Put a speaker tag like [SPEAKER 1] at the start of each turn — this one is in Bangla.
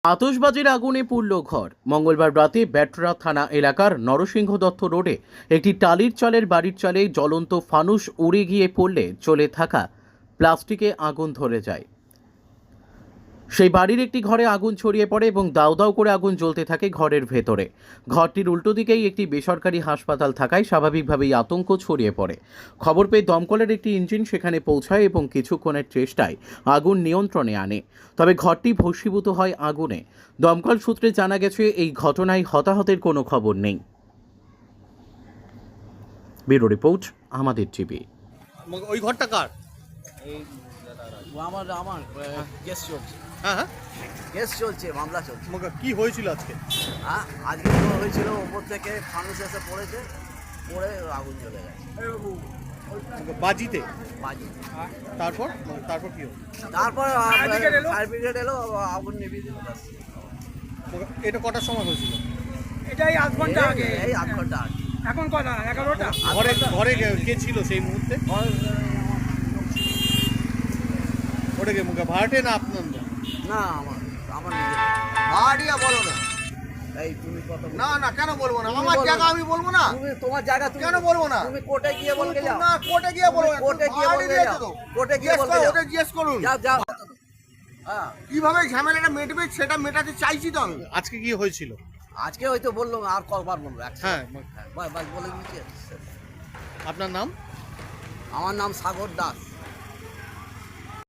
[SPEAKER 1] আতশবাজির আগুনে পুড়ল ঘর। মঙ্গলবার রাতে ব্যাটরা থানা এলাকার নরসিংহ দত্ত রোডে একটি টালির চালের বাড়ির চালে জ্বলন্ত ফানুস উড়ে গিয়ে পড়লে চলে থাকা প্লাস্টিকে আগুন ধরে যায়। সেই বাড়ির একটি ঘরে আগুন ছড়িয়ে পড়ে এবং দাউ দাউ করে আগুন জ্বলতে থাকে ঘরের ভেতরে। ঘরটির উল্টো দিকেই একটি বেসরকারি হাসপাতাল থাকায় স্বাভাবিকভাবেই আতঙ্ক ছড়িয়ে পড়ে। খবর পেয়ে দমকলের একটি ইঞ্জিন সেখানে পৌঁছায় এবং কিছুক্ষণের চেষ্টায় আগুন নিয়ন্ত্রণে আনে। তবে ঘরটি ভস্মীভূত হয় আগুনে। দমকল সূত্রে জানা গেছে এই ঘটনায় হতাহতের কোনো খবর নেই। ব্যুরো রিপোর্ট, আমাদের টিভি।
[SPEAKER 2] ওই ঘরটা কার?
[SPEAKER 3] আমার কেস চলছে।
[SPEAKER 2] হ্যাঁ হ্যাঁ,
[SPEAKER 3] কেস চলছে, মামলা চলছে।
[SPEAKER 2] কি হয়েছিল আজকে?
[SPEAKER 3] হ্যাঁ, আজকে তো হয়েছিল ওপর থেকে ফানুস এসে পড়েছে, পড়ে আগুন চলে গেছে
[SPEAKER 2] বাজিতে।
[SPEAKER 3] বাজি।
[SPEAKER 2] তারপর তারপর কি হলো?
[SPEAKER 3] তারপর ফায়ার ব্রিগেড এলো, আগুন নিভিয়ে দিল।
[SPEAKER 2] এটা কটার সময় হয়েছিল?
[SPEAKER 4] এটাই আধ ঘন্টা আগে।
[SPEAKER 3] এই আধ ঘন্টা আগে।
[SPEAKER 4] এখন কটা? 11টা।
[SPEAKER 2] ঘরে ঘরে কে ছিল সেই মুহূর্তে? ওটা কে মুখে ভাড়াটে না আপনার?
[SPEAKER 3] না, আমার নিজের।
[SPEAKER 5] ভাড়াটিয়া বলো না।
[SPEAKER 3] এই তুমি কত
[SPEAKER 5] না না, কেন বলবো না?
[SPEAKER 3] তুমি
[SPEAKER 5] আমার
[SPEAKER 3] বলো
[SPEAKER 5] জায়গা
[SPEAKER 3] না।
[SPEAKER 5] আমি বলবো না।
[SPEAKER 3] তুমি তোমার জায়গা তুমি
[SPEAKER 5] কেন বলবো না?
[SPEAKER 3] তুমি কোর্টে গিয়ে বলতে যাও।
[SPEAKER 5] না, কোর্টে গিয়ে বলবো না।
[SPEAKER 3] কোর্টে গিয়ে
[SPEAKER 5] ভাড়াটি
[SPEAKER 3] বলতে
[SPEAKER 5] দিয়েছে
[SPEAKER 3] যাও।
[SPEAKER 5] তো।
[SPEAKER 3] কোর্টে গিয়ে
[SPEAKER 5] জিজ্ঞেস
[SPEAKER 3] বলতে
[SPEAKER 5] করো,
[SPEAKER 3] যাও।
[SPEAKER 5] ওদের জিজ্ঞেস করুন।
[SPEAKER 3] যাও যাও। হ্যাঁ,
[SPEAKER 5] কিভাবে ঝামেলাটা মেটবে সেটা মেটাতে চাইছি তো আমি।
[SPEAKER 2] আজকে কি হয়েছিল?
[SPEAKER 3] আজকে হয়তো বললো, আর কবার বলবো?
[SPEAKER 2] হ্যাঁ,
[SPEAKER 3] বাস বলে দিচ্ছি।
[SPEAKER 2] আপনার নাম?
[SPEAKER 3] আমার নাম সাগর দাস।